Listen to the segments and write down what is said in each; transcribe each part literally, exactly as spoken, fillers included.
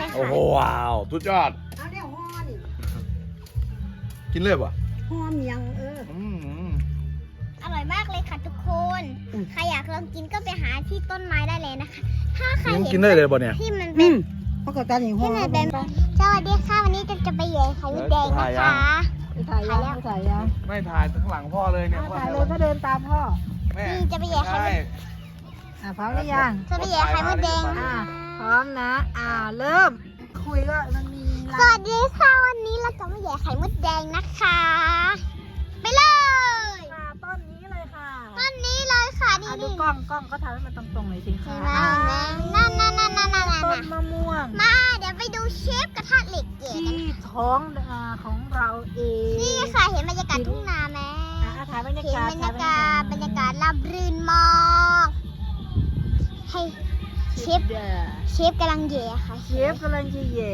โอ้โหว้าวสุดยอดเอาเดี๋ยวห่อนี่กินเลยป่ะห่อเมียงเอออืมอร่อยมากเลยค่ะทุกคนอืมใครอยากลองกินก็ไปหาที่ต้นไม้ได้เลยนะคะ ถ้าใครยังเห็นกินได้เลยป่ะเนี่ยที่มันอืเป็นมเพราะก็ตาหนิห่อที่มันเป็นสวัสดีค่ะวันนี้จะจะไปเหยียบไข่มดแดงนะคะไปถ่ายยังไปถ่ายยังไม่ถ่ายข้างหลังพ่อเลยเนี่ยถ่ายเลยก็เดินตามพ่อแม่นี่จะไปเหยียบไข่มดอ่ะพร้อมหรือยังจะไปเหยียบไข่มดแดงอ่ะพร้อมนะ อ่าเริ่ม คุยก็มันมีสวัสดีค่ะวันนี้เราจะมาเหยียบไข่มดแดงนะคะ ไปเลยค่ะต้นนี้เลยค่ะต้นนี้เลยค่ะนี่อ่ะดูนี่กล้องกล้องก็ทำให้มันตรงๆหน่อยสิเห็คะนไหมเห็นไหมนั่นนั่นนั่นนั่นนั่นต้นนั่นมะม่วงมาเดี๋ยวไปดูเชฟกระทะเหล็กเก๋กันที่ท้องนาของเราเองนี่ค่ะเห็นบรรยากาศทุ่งนาไหมอ่ะถ่ายบรรยาเห็นกาศบรรยากาศบรรยากาศราบรื่นมาก ให้เชฟเดอเชฟกำลังเหย่ค่ะเชฟกำลังจะเหย่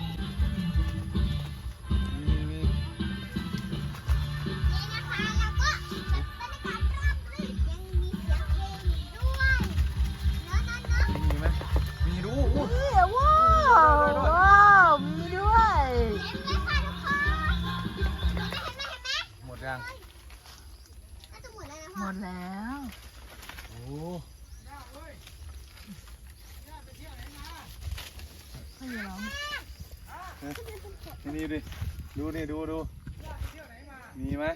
นี่นะคะแล้วก็บรรยากาศราบรื่นยังมีเสียงเพลงอยู่ด้วยเนอะเนอะเนอะมีไหมมีดูอู้เฮ้ยว้าวว้าวมีด้วยเห็นไหมคะทุกคนเห็นไหมเห็นไหมเห็นไหมหมดยังน่าจะหมดแล้วนะหมพ่อดแล้วโอ้ไม่มีหรอกนี่ดิดูนี่ดูดูมีไหม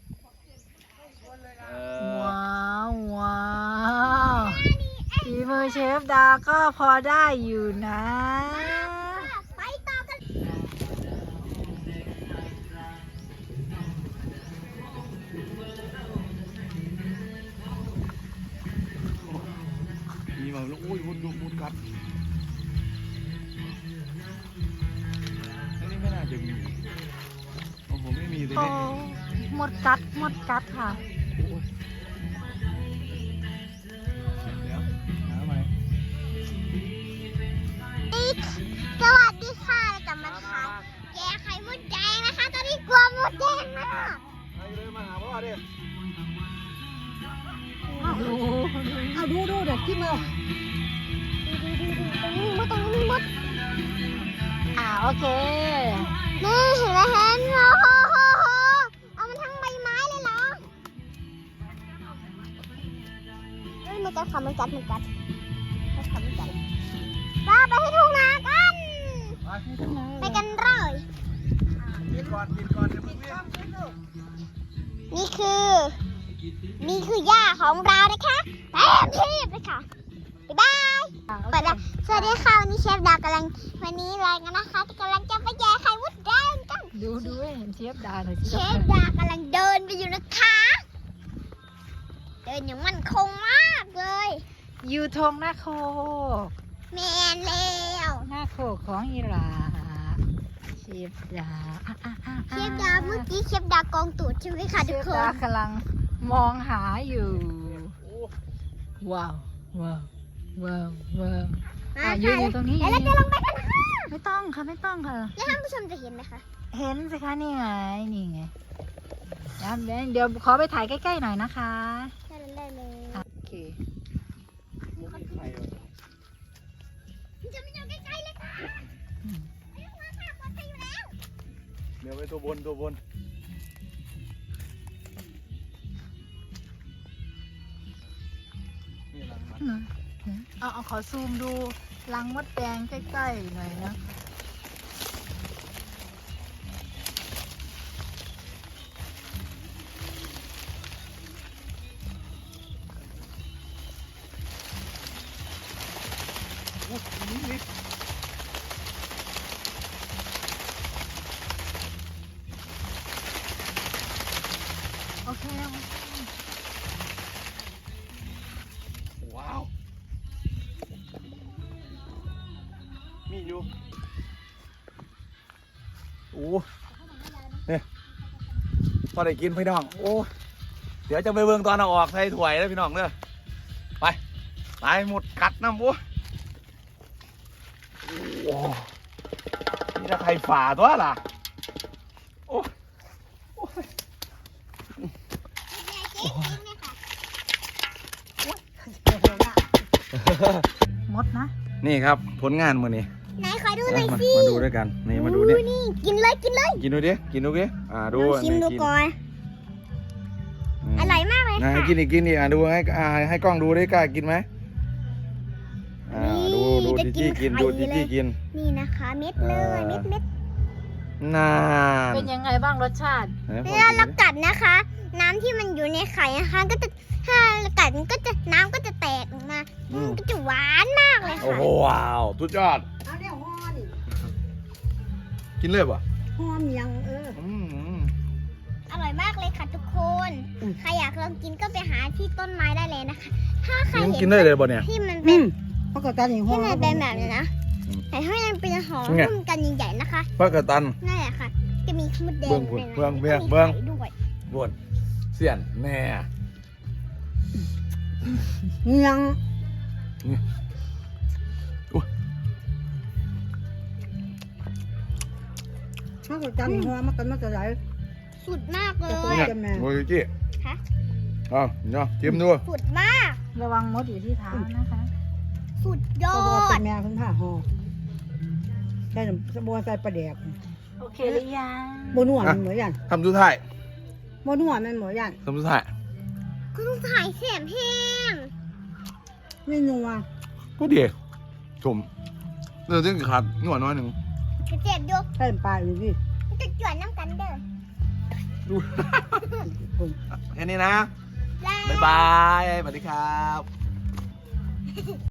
เออว้าวว้าวฝีมือเชฟดาก็พอได้อยู่นะไปต่อกันมีแบบลูกอุ้ยมุดมุดมุดกัดอันนี้ไม่น่าจะมีโอ้โหไม่มีเลยโอ้เนี่ยหมดกัดหมดกัดค่ะโอ้ยเดี๋ยวหาใหม่สวัสดีค่ะเราจะมาทานแกงไข่มดแดงนะคะ ตอนนี้กลัวมดแดงมากไปเลยมาหาพ่อดิดูเอาดูดูเดี๋ยวที่มือตรงนี้มดตรงนี้มดอ่าโอเคนี่เห็นไหมเห็นโอ้โหเอามันทั้งใบไม้เลยเหรอเอ้ยมันกัดค่ะมันกัดมันกัดมันกัดมันกัดป้าไปให้ทุ่งนากัน ไปกันเลยกินก่อนกินก่อนเดี๋ยวมึงวิ่งนี่คือ นี่คือหญ้าของเรานะคะเต็มที่เลยค่ะ บ๊ายบาย เปิดแล้วสวัสดีค่ะวันนี้เชฟดาวกำลังวันนี้อะไรกันนะคะกำลังจะไปแย่ไข่มดแดงกันดูดูให้เห็นเชฟดาหน่อยสิเชฟดากำลังเดินไปอยู่นะคะ เดินอย่างมั่นคงมากเลยอยู่ทงหน้าโคกแมนแล้วหน้าโคกของอิหร่านเชฟดาอ่ะอ่ะอ่ะเชฟดาเมื่อกี้เชฟดากองตูดใช่ไหมคะเชทุกฟคดาน กำลังมองหาอยู่ ว้าวว้าวว้าวว้าวมาอ่ะยืนอยู่ตรงนี้แล้วเราจะลงไปกันค่ะไม่ต้องค่ะไม่ต้องค่ะแล้วท่านผู้ชมจะเห็นไหมคะเห็นสิคะนี่ไงนี่ไงเดี๋ยวเดี๋ยวเดี๋ยวขอไปถ่ายใกล้ๆหน่อยนะคะได้เลยได้เลยโอเคมุกไม่ไข่เหรอจะไม่อยู่ใกล้ๆเลยค่ะไม่ต้องมาค่ะปลอดภัยอยู่แล้วเดี๋ยวไปตัวบนตัวบนนี่หลังมันเอาเอาขอซูมดูรังมดแดงใกล้ๆหน่อยนะอู้นี่นี่โอเคว้าว มีอยู่โอ้เนี่ยพอได้กินพี่น้อง โอ้เดี๋ยวจะไปเบิ่งตอนเอาออกใส่ถ้วยแล้วพี่น้องเด้อไปไปหมดกัดน้ำโอ้โอ้นี่ถ้าใครฝ่าตัวล่ะโอ้โอ้ยเจ๊จริงเนี่ยค่ะมดนะนี่ครับผลงานมือนี้ไหนขอดูหน่อยมาสิมาดูด้วยกันนี่มาดูนี่อู้นี่กินเลยกินเลยกินดูดิกินดูดิอ่าดูลองชิมดูกิก่อนอร่อยมากเลยอ่าค่ะกินอีกกินอีกอ่าดูให้อ่าให้กล้องดูได้กล้ากินไหมอ่าดูดูจะจีจี้กินไข่ดูจีเลจี้ยกินนี่นะคะ เม็ดเลยเออเม็ดเม็ดนานเป็นยังไงบ้างรสชาติไหนเวขอลาดูเราดิกัดนะคะ น้ำที่มันอยู่ในไข่นะคะก็จะถ้าเรากัดมันก็จะน้ำก็จะแตกออกมามันก็จะหวานมากเลยโอ้ค่ะโหว้าวสุดยอดเอาเนี่ยห้อนกินเลยป่ะห้อนยังเอออืมอร่อยมากเลยค่ะทุกคนอืมใครอยากลองกินก็ไปหาที่ต้นไม้ได้เลยนะคะ ถ้าใครยังเห็นกินได้เลยป่ะเนี่ยที่มันอืเป็นมเพราะก็ตอนนี้ห้อที่นมันเป็นแบบนี้นะอืมแต่ถ้ามันเป็นหอมไงหุ้มกันใหญ่ๆนะคะปลากระตันนั่นแหละค่ะ จะมีขมดแดงเบื้องพุ่นด้วยนะเบื้องเบื้องแล้วก็มีเบื้องไข่ด้วยบวนเสียนแน่ยัง เพราะก็ตอนนี้ห้อนมันกันมาจะไหลสุดมากเลโอ้ยเนี่ยจะแม่โมจิจิคะเอาเนาะชิมดูสุดมากระวังมดอยู่ที่เท้านะคะสุดยอก็บอกเป็ดนแม่คุณผ้าห่อใส่สบัวใส่ปลาแดกโอเคหรือยังบนหัวมันเหมือนยันทำสุดท้ายบนหัวมันเหมือนยันทำสุดท้ายก็ต้องถ่ายแสมแห้งนี่นัวก็ดีชมเรื่องที่ขาดหน่อยน้อยหนึ่งกระเจ็บยกใส่ปลาอยู่ดิจะจวนน้ำกันเด้อดูคนแค่นี้นะแล้วบ๊ายบายสวัสดีครับ